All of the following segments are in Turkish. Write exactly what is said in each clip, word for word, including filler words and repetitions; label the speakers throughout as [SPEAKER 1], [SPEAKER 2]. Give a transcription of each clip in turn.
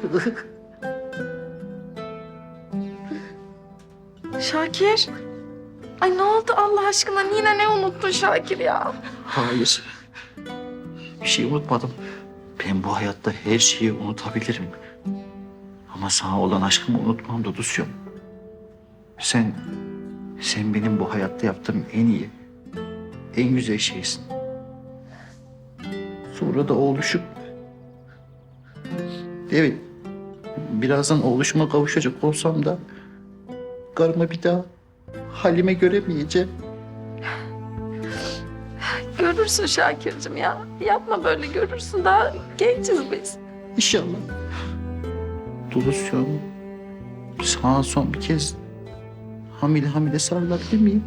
[SPEAKER 1] Şakir. Ay ne oldu Allah aşkına? Yine ne unuttun Şakir ya?
[SPEAKER 2] Hayır. Bir şey unutmadım. Ben bu hayatta her şeyi unutabilirim. Ama sana olan aşkımı unutmam Dudusyum. Sen, sen benim bu hayatta yaptığım en iyi, en güzel şeysin. Sonra da oğluşum. Evet, birazdan oğluşuma kavuşacak olsam da karıma bir daha halime göremeyeceğim.
[SPEAKER 1] Görürsün Şakir'cim ya. Yapma böyle, görürsün. Daha genciz biz.
[SPEAKER 2] İnşallah. Dudusyum, sana son bir kez hamile hamile sarılabilir miyim?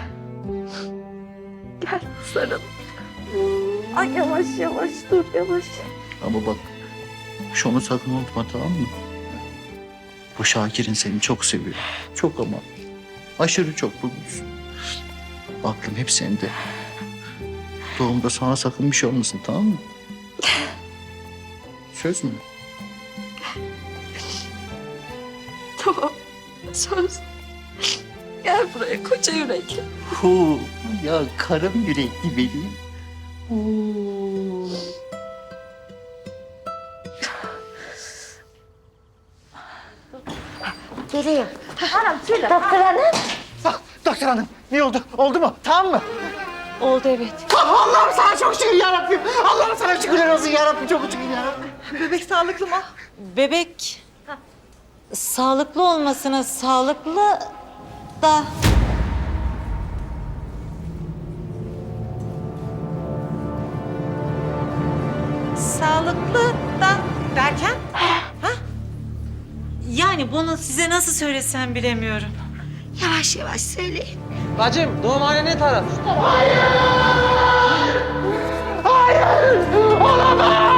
[SPEAKER 1] Gel sarıl. Ay yavaş yavaş dur yavaş.
[SPEAKER 2] Ama bak, şunu sakın unutma, tamam mı? Bu Şakir'in seni çok seviyor. Çok ama aşırı çok bulmuş. Aklım hep sende. Doğumda sana sakın bir şey olmasın, tamam mı? Söz mü?
[SPEAKER 1] Tamam. Söz. Gel buraya koca yürekli.
[SPEAKER 2] Hu, ya karım yürekli benim. Huu.
[SPEAKER 3] Geliyor. Hanım söyle. Doktor hanım.
[SPEAKER 4] Bak doktor hanım, ne oldu? Oldu mu? Tamam mı?
[SPEAKER 3] Oldu evet.
[SPEAKER 4] Ah, Allah'ım sana çok şükür yarabbim. Allah'ım sana şükürler olsun yarabbim. Çok şükür yarabbim.
[SPEAKER 5] Bebek sağlıklı mı?
[SPEAKER 6] Bebek sağlıklı olmasına sağlıklı da
[SPEAKER 5] Sağlıklı da derken?
[SPEAKER 6] yani bunu size nasıl söylesem bilemiyorum.
[SPEAKER 3] Yavaş yavaş söyleyin.
[SPEAKER 5] Bacım doğumhane ne taraf?
[SPEAKER 4] Olamaz!